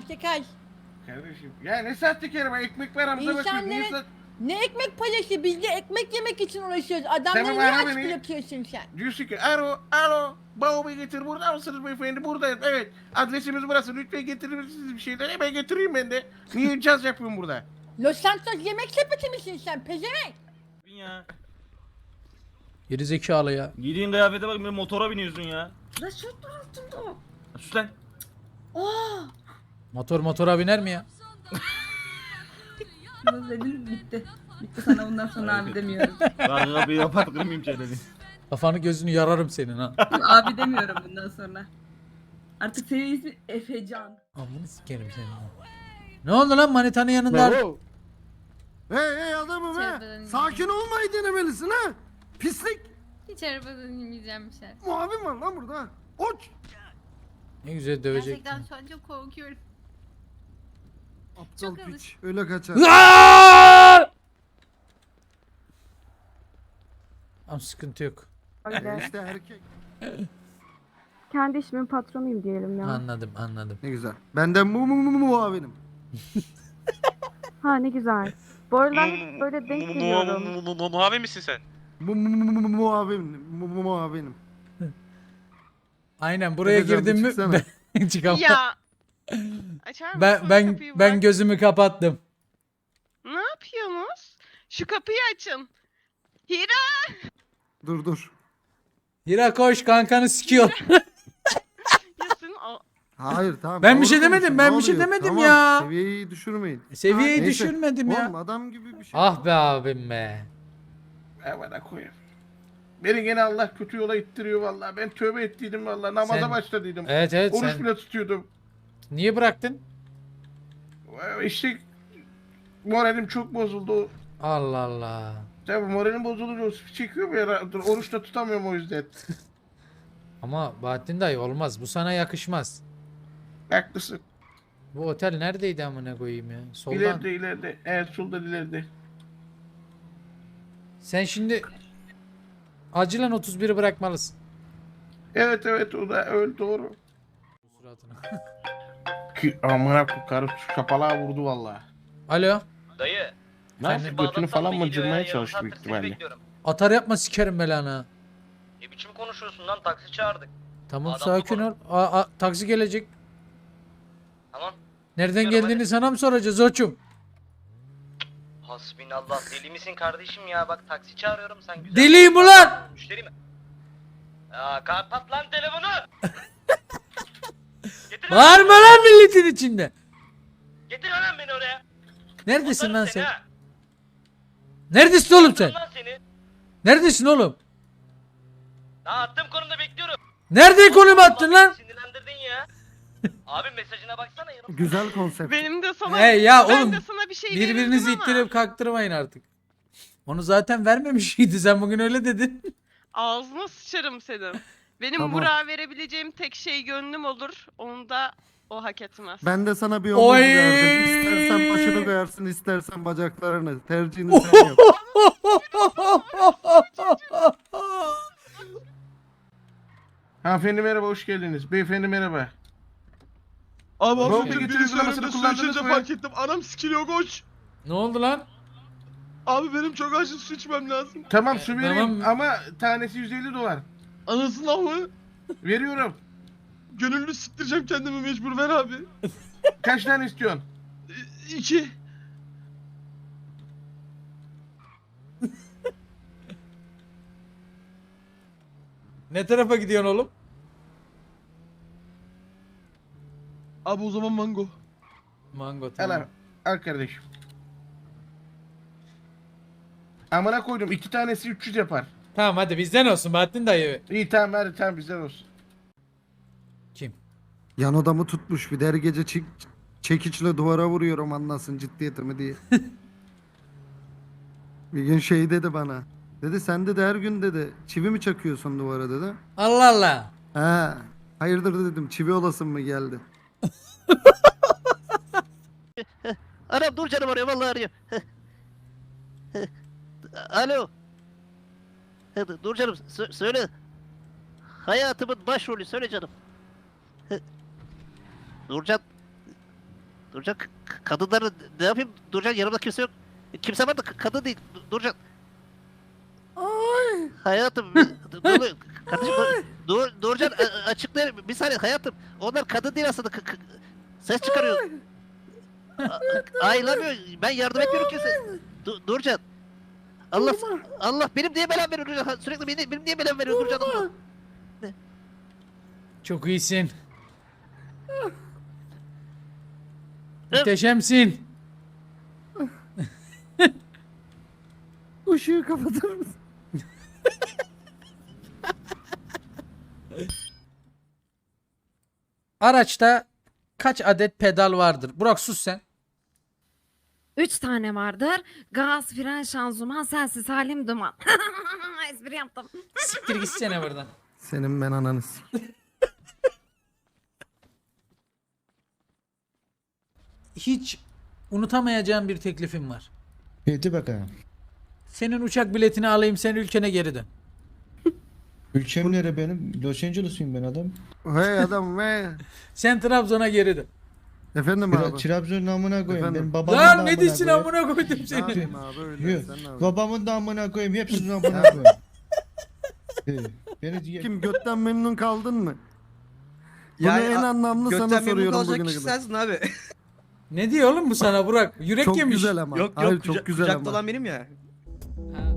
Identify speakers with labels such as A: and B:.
A: sahtekar.
B: Kardeşim ya ne sahtekarı ben ekmek paramıza bakıyoruz. Niye
A: İnsanlara ne ekmek parası? Biz de ekmek yemek için uğraşıyoruz. Adamları
B: Tamam,
A: niye
B: ara
A: aç
B: beni.
A: bırakıyorsun sen?
B: Diyorsun ki alo bavulu getir, burada mısınız beyefendi? Buradayım, evet, adresimiz burası, lütfen getirir misiniz bir şeyler? Hemen getireyim ben de. Niye caz yapıyorum burada?
A: Los Santos yemek sepeti misin sen pezevenk?
C: Ya.
D: Geri zekalı ya.
C: Giydiğin kıyafete bak, bir motora biniyorsun ya.
E: La şu altında o.
C: Sus lan.
E: Aa!
D: Motora biner mi ya?
E: Bunu dedin bitti. Bitti sana bundan sonra abi demiyorum.
C: Ben kapıyı kapat, kırmayayım çeneni.
D: Kafanı gözünü yararım senin ha.
E: Abi demiyorum bundan sonra. Artık senin ismin Efecan.
D: Amını sikerim senin. Ne oldu lan manitanın yanında?
F: Hey adamım
G: Hiç
F: he.
G: arabadan
F: Sakin olmayı denemelisin ha. Pislik.
G: Hiç arabadan inmeyeceğim bir şey.
F: Muavin var lan burada. Oç.
D: Ne güzel dövecek.
G: Gerçekten şu an çok korkuyorum.
F: Aptal
G: Çok
F: piç.
G: alış-
F: Öyle kaçar.
D: Ama sıkıntı yok.
F: İşte erkek.
H: Kendi işimin patronuyum diyelim ya.
D: Anladım.
F: Ne güzel. Benden muavinim.
H: Ha ne güzel. Bu aralar hep böyle denk geliyorum.
I: Muavin misin sen?
F: Muavinim.
D: Aynen buraya
F: Efecan,
D: girdim mü
F: çıksana.
D: ben çıkamam.
I: Ya. Açar mısın
D: Ben
I: kapıyı
D: ben
I: bak?
D: gözümü kapattım.
I: Ne yapıyorsunuz? Şu kapıyı açın. Hira!
F: Dur.
D: Hira koş kankanı sikiyor.
I: Yasın o.
F: Hayır tamam.
D: Ben bir
F: doğru
D: şey demedim,
F: konuşun,
D: ben
F: ne
D: bir şey
F: oluyor?
D: demedim
F: Tamam,
D: ya.
F: Seviyeyi düşürmeyin.
D: Seviyeyi
F: Neyse.
D: düşürmedim ya.
F: Oğlum adam gibi bir şey.
D: Ah be abim be.
B: Bana koyayım. Beni gene Allah kötü yola ittiriyor vallahi. Ben tövbe ettiydim vallahi. Namaza
D: Sen-
B: başladıydım.
D: Evet
B: Oruç
D: sen
B: bile tutuyordum.
D: niye bıraktın?
B: İşte moralim çok bozuldu.
D: Allah Allah.
B: Tabii moralim bozulunca o çekiyor ya. Oruç da tutamıyorum o yüzden.
D: Ama Bahattin dayı olmaz. Bu sana yakışmaz.
B: Haklısın.
D: Bu otel neredeydi amına koyayım ya? Soldan.
B: İleride. Evet, solda ileride.
D: Sen şimdi acilen 31'i bırakmalısın.
B: Evet, o da öyle, doğru.
D: Suratına.
B: Ki amına karı kapalığa vurdu vallahi.
D: Alo.
I: Dayı.
B: Nasıl götünü falan mı cırmaya çalıştı büyük ihtimalle.
D: Atar yapma sikerim belanı.
I: Ne biçim konuşuyorsun lan, taksi çağırdık.
D: Tamam
I: Adam
D: sakin ol. Taksi gelecek.
I: Tamam.
D: Nereden
I: Çıkıyorum,
D: geldiğini
I: hadi.
D: sana mı soracağız oçum?
I: Hasbinallah, deli misin kardeşim ya, bak taksi çağırıyorum, sen güzel.
D: Deliyim ulan!
I: Müşteri mi? Ya kapat lan telefonu. Getir lan,
D: Bağırma lan milletin içinde.
I: getir lan beni oraya.
D: Neredesin
I: Atarım
D: lan
I: seni
D: sen?
I: ha.
D: Neredesin oğlum sen?
I: Atarım lan seni.
D: Neredesin oğlum?
I: Daha attığım konumda bekliyorum.
D: Nerede konum attın lan?
I: Sinirlendirdin ya. Abi mesajına baksana yanım.
F: Güzel konsept.
I: Benim de sana
D: Hey ya
I: ben
D: oğlum.
I: de sana bir şey
D: Birbirinizi
I: verirdim ama
D: ittirip kaktırmayın artık. Onu zaten vermemişydi. Sen bugün öyle dedin.
I: ağzına sıçarım senin. Benim
F: Tamam.
I: Burak'a verebileceğim tek şey gönlüm olur. Onu da o hak etmez.
F: Ben de sana bir
D: Oy!
F: omuz verdim. İstersen başını koyarsın, istersen bacaklarını. Tercihini sen yap.
B: Hanımefendi merhaba, hoş geldiniz. Beyefendi merhaba.
J: Abi
B: Baba,
J: hafiften
B: getirin
J: biri
B: sulamasını
J: üzerimde su
B: kullandınız
J: içince
B: mı?
J: fark ettim. Anam sikiliyor koç.
D: Ne oldu lan?
J: Abi benim çok acil su içmem lazım.
B: Tamam, su vereyim
D: tamam.
B: ama tanesi 150 dolar.
J: Anasını mı?
B: Veriyorum.
J: Gönüllü siktireceğim kendimi mecbur, ver abi.
B: Kaç tane istiyorsun?
J: 2.
D: Ne tarafa gidiyorsun oğlum?
J: Abi o zaman mango.
D: Mango
B: Al
D: tamam.
B: abi, al kardeşim. Amına koydum, 2 tanesi 300 yapar.
D: Tamam hadi bizden olsun Bahattin dayı.
B: İyi tamam, hadi tamam, bizden olsun.
D: Kim?
F: Yan odamı tutmuş. Bir de her gece çekiçle duvara vuruyorum anlasın ciddiyetimi diye. Bir gün şey dedi bana. Dedi sen de her gün dedi çivi mi çakıyorsun duvara dedi.
D: Allah Allah.
F: Ha, hayırdır dedim, çivi olasın mı geldi.
K: Anam dur canım, arıyor vallahi arıyor. Alo. Dur canım, söyle. Hayatımın başrolü, söyle canım. Nurcan. Nurcan kadınları ne yapayım? Nurcan yanımda kimse yok. Kimse var da kadın değil. Nurcan. Hayatım. Kardeşim Nurcan açıklayayım. Bir saniye hayatım. Onlar kadın değil aslında. Ses çıkarıyor. Ayılamıyor. Ben yardım etmiyorum kimse. Nurcan. Allah benim niye belam veriyor Nurcan? Sürekli benim niye belam veriyor Nurcan? Allah.
D: Çok iyisin. Muhteşemsin.
F: Işığı kapatır mısın?
D: Araçta kaç adet pedal vardır? Burak sus sen.
G: 3 tane vardır. Gaz, fren, şanzıman, sensiz halim duman. Espri yaptım.
D: Siktir gitsene buradan.
F: Senin ben ananız.
D: Hiç unutamayacağım bir teklifim var.
J: Hadi bakalım.
D: Senin uçak biletini alayım, sen ülkene geri dön.
J: Ülkem nere benim? Los Angeles'ıyım ben adam.
F: Hey adam ve.
D: Sen Trabzon'a geri dön.
F: Efendim abi.
J: Trabzon'un amına koyayım.
F: Efendim?
J: Benim babamın
D: Lan
J: da
D: ne diyorsun amına koydum
F: Ne
D: seni.
F: yapayım abi öyle.
J: Yok.
F: Sen ne yapıyorsun?
J: Babamın da amına koyayım. Hepsinin amına koyayım. Beni diye...
F: Kim götten memnun kaldın mı? Bunu en anlamlı sana soruyorum bugüne kadar.
J: abi.
D: Ne diyor oğlum bu sana Burak? Yürek
F: Çok
D: yemiş.
F: güzel ama. Hayır, çok güzel ama.
J: benim ya.
D: Ha.